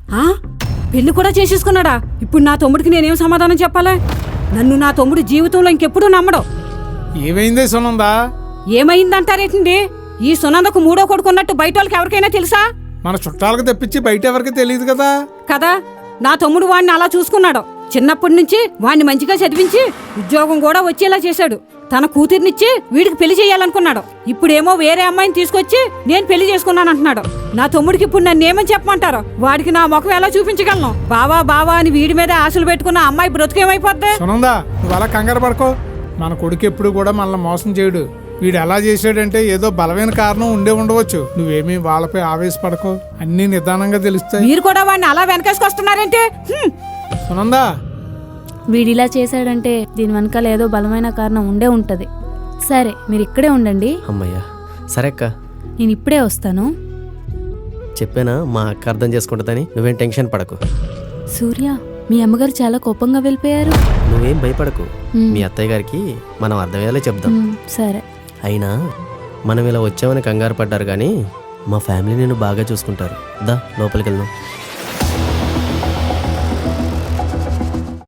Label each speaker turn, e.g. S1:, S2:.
S1: పెళ్లి కూడా చేసేసుకున్నాడా? ఇప్పుడు నా తమ్ముడికి నేనేం సమాధానం చెప్పాలి? నన్ను నా తమ్ముడు జీవితంలో ఇంకెప్పుడు నమ్మడు.
S2: ఏమైందే సునందా?
S1: ఏమైందంటారేంటి? ఈ సునందకు మూడో కొడుకున్నట్టు బయట వాళ్ళకి ఎవరికైనా తెలుసా?
S2: మన చుట్టాలకు తెప్పించి బయట ఎవరికి తెలియదు కదా.
S1: కదా, నా తమ్ముడు వాడిని అలా చూసుకున్నాడు. చిన్నప్పటి నుంచి వాడిని మంచిగా చదివించి ఉద్యోగం కూడా వచ్చేలా చేశాడు. తన కూతుర్నిచ్చి వీడికి పెళ్లి చేయాలనుకున్నాడు. ఇప్పుడేమో వేరే అమ్మాయిని తీసుకొచ్చి నేను పెళ్లి చేసుకున్నానంటున్నాడు. నా తమ్ముడికి ఇప్పుడు నన్ను ఏమని చెప్పమంటారు? వాడికి నా ముఖం ఎలా చూపించగలను? బావా బావా అని వీడి మీద ఆశలు పెట్టుకున్న అమ్మాయి బ్రతుకేమైపోద్ది?
S2: సునందా, నువ్వు అలా కంగారు పడుకో. మన కొడుకు ఎప్పుడు కూడా మనల్ని మోసం చేయడు. వీడు ఎలా చేశాడంటే ఏదో బలమైన కారణం ఉండవచ్చు. నువ్వేమీ వాళ్ళపై ఆవేశపడకో, అన్ని నిదానంగా తెలుస్తాయి.
S1: మీరు కూడా వాడిని అలా వెనకేసుకొస్తున్నారేంటి?
S2: సునందా,
S3: వీడిలా చేశాడంటే దీని వెనకాల ఏదో బలమైన కారణం ఉంటది. సరే, మీరు ఇక్కడే ఉండండి.
S4: అమ్మయ్యా, సరే అక్క,
S3: నేను ఇప్పుడే వస్తాను.
S4: చెప్పానా మా అక్క అర్థం చేసుకుంటుందని? నువ్వేం టెన్షన్ పడకు.
S3: సూర్య, మీ అమ్మగారు చాలా కోపంగా వెళ్ళిపోయారు.
S4: నువ్వేం భయపడకు. మీ అత్తయ్య గారికి మనం అర్థమయ్యేలా చెప్దాం.
S3: సరే.
S4: అయినా మనం ఇలా వచ్చామని కంగారు పడ్డారు కానీ మా ఫ్యామిలీ నేను బాగా చూసుకుంటారు. దా లోపలికి వెళ్దాం.